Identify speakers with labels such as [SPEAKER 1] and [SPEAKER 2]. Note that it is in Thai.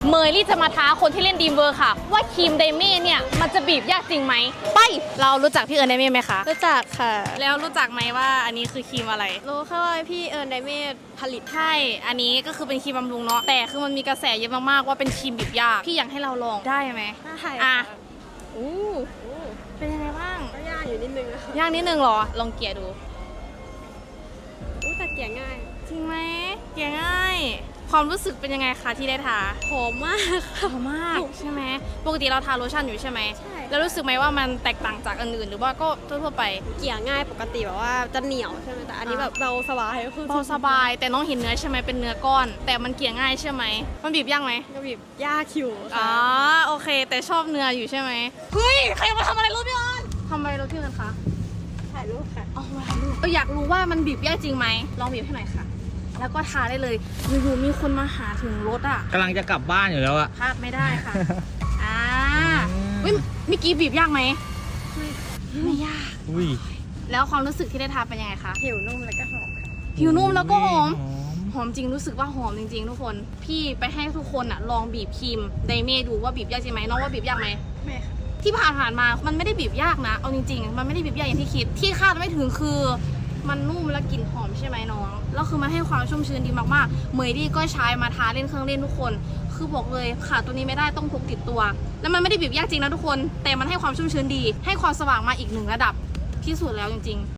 [SPEAKER 1] เมยลี่จะมาท้าคนที่เล่นดีมเวอร์ค่ะว่าครีมไดเม่เนี่ยมันจะบีบยากจริงไหมไปเรารู้จักพี่เอิญไดเม่ไหมคะ
[SPEAKER 2] รู้จักค่ะ
[SPEAKER 1] แล้วรู้จักไหมว่าอันนี้คือครีมอะไร
[SPEAKER 2] รู้แค่ว่าพี่เอิญไดเมดผลิต
[SPEAKER 1] ใช่อันนี้ก็คือเป็นครีมบำรุงเนาะแต่คือมันมีกระแสเยอะมากๆว่าเป็นครีมบีบยากพี่อยากให้เราลองได้ไหม
[SPEAKER 2] ได้
[SPEAKER 1] อ่ะ
[SPEAKER 2] ค่ะ
[SPEAKER 1] อู้เป็นยังไงบ้าง
[SPEAKER 2] ก็ยากอยู่นิดนึงนะคะ
[SPEAKER 1] ยากนิดนึงเหรอลองเกลี่ยดู
[SPEAKER 2] แต่เกลี่ยง่าย
[SPEAKER 1] จริงไหมเกลี่ยง่าย ความรู้สึกเป็นยังไงคะที่ได้ทา
[SPEAKER 2] หอมมาก
[SPEAKER 1] หอมมากใช่ไหมปกติเราทาโลชั่นอยู่ใช่ไหม
[SPEAKER 2] ใช่
[SPEAKER 1] แล้วรู้สึกไหมว่ามันแตกต่างจากอันอื่นหรือว่าก็ทั่วๆไป
[SPEAKER 2] เกลี่ยง่ายปกติแบบว่าจะเหนียวใช่ไหมแต่อันนี้แบบเราสบายก็คือ
[SPEAKER 1] เบาสบายแต่น้องเห็นเนื้อใช่ไหมเป็นเนื้อก้อน แต่มันเกลี่ยง่ายใช่ไหมมันบีบยากไหม
[SPEAKER 2] ก็แบบยากอยู่
[SPEAKER 1] อ๋
[SPEAKER 2] ค่ะ
[SPEAKER 1] อโอเค แต่ชอบเนื้ออยู่ใช่ไหมเฮ้ยใครมาทำอะไรรถพี่ออนทำอะไรรถพี่ออนคะ
[SPEAKER 2] ถ่ายรูปค่ะ
[SPEAKER 1] อ๋อมาถ่ายรูปอยากรู้ว่ามันบีบยากจริงไหมลองบีบให้หน่อยค่ะ แล้วก็ทาได้เลยอยู่ๆมีคนมาหาถึงรถอ่ะ
[SPEAKER 3] กำลังจะกลับบ้านอยู่แล้วอะ
[SPEAKER 1] พลาดไม่ได้ค่ะอ่าเฮ้ยเมื่อกี้บีบยากไหมไม่ยาก
[SPEAKER 3] อุ้ย
[SPEAKER 1] แล้วความรู้สึกที่ได้ทาเป็นยังไงคะ
[SPEAKER 2] ผิวนุ่มแล้วก็หอมค่ะ
[SPEAKER 1] ผิวนุ่มแล้วก็หอม
[SPEAKER 3] หอม
[SPEAKER 1] หอมจริงรู้สึกว่าหอมจริงๆทุกคน พี่ไปให้ทุกคนอะลองบีบครีมไดเม่ดูว่าบีบยากจริงไหมน้องว่าบีบยากไหม
[SPEAKER 2] ไม่ค่ะ
[SPEAKER 1] ที่ผ่านมามันไม่ได้บีบยากนะเอาจริงๆมันไม่ได้บีบยากอย่างที่คิดที่คาดไม่ถึงคือมันนุ่มและกลิ่นหอมใช่ไหมน้องแล้วคือมันให้ความชุ่มชื้นดีมากๆเมยดี้ก็ใช้มาทาเล่นเครื่องเล่นทุกคน คือบอกเลยขาดตัวนี้ไม่ได้ต้องพกติดตัว แล้วมันไม่ได้บีบยากจริงนะทุกคน แต่มันให้ความชุ่มชื้นดี ให้ความสว่างมาอีกหนึ่งระดับที่สุดแล้วจริงๆ